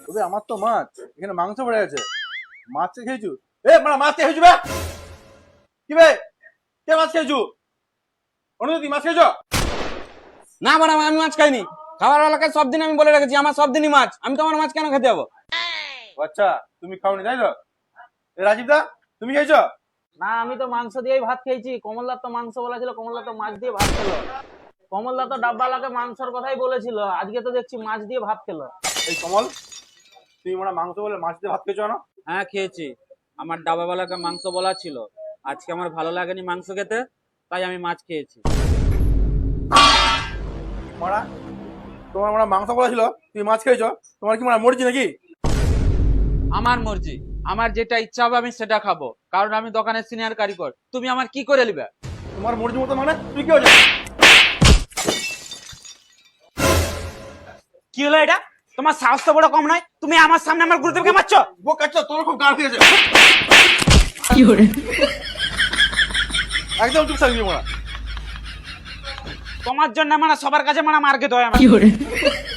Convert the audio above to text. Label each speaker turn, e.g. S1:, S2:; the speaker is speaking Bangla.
S1: তবে আমার তো মাছ এখানে মাংস পড়ে আছে, মাছ খেয়েছু? এ মানে মাছ খেয়েছু বে? কি বে, কে মাছ খেয়েছু? অনুদি মাছ খেয়েছ?
S2: না বাড়া, আমি মাছ খাইনি। খাবার বেলাকে সব দিন আমি বলে রেখেছি আমার সব দিনই মাছ, আমি তোমার মাছ কেন খেতে যাবো?
S1: ও আচ্ছা, তুমি খাওনি তাই তো? এ রাজীব দা, তুমি খেয়েছ?
S3: না, আমি তো মাংস দিয়েই ভাত খেয়েছি। কমলদার তো মাংস বলা ছিল, কমলদা তো মাছ দিয়ে ভাত খেলো। কমলদা তো ডাব্বালাকে মাংসর কথাই বলেছিল, আজকে তো দেখছি মাছ দিয়ে ভাত খেলো।
S1: এই কমল, তুমি মানে মাংস বলে মাছ দিয়ে ভাত খেয়েছো না?
S2: হ্যাঁ খেয়েছি, আমার ডাবাওয়ালাকে মাংস বলা ছিল, আজকে আমার ভালো লাগেনি মাংস খেতে, তাই আমি মাছ খেয়েছি।
S1: মারা, তোমার মানে মাংস বলা ছিল, তুমি মাছ খেয়েছো? তোমার কি মানে মরছি নাকি?
S2: আমার মর্জি, আমার যেটা ইচ্ছা হবে আমি সেটা খাবো, কারণ আমি দোকানের সিনিয়র কারিগর। তুমি আমার কি করে নিবে?
S1: তোমার মর্জি মতো মানে তুই কি হয়েছে?
S2: কি হলো এটা? তোমার সাহস তো বড় কম নয়, তুমি আমার সামনে আমার গুরুদেবকে মারছো।
S1: বোকাচ্ছো, তোর খুব গাল খেয়েছে। একদম চুপ থাকবি মারা।
S2: তোমার জন্য মানে সবার কাছে মানে মার খেতে হয় আমার।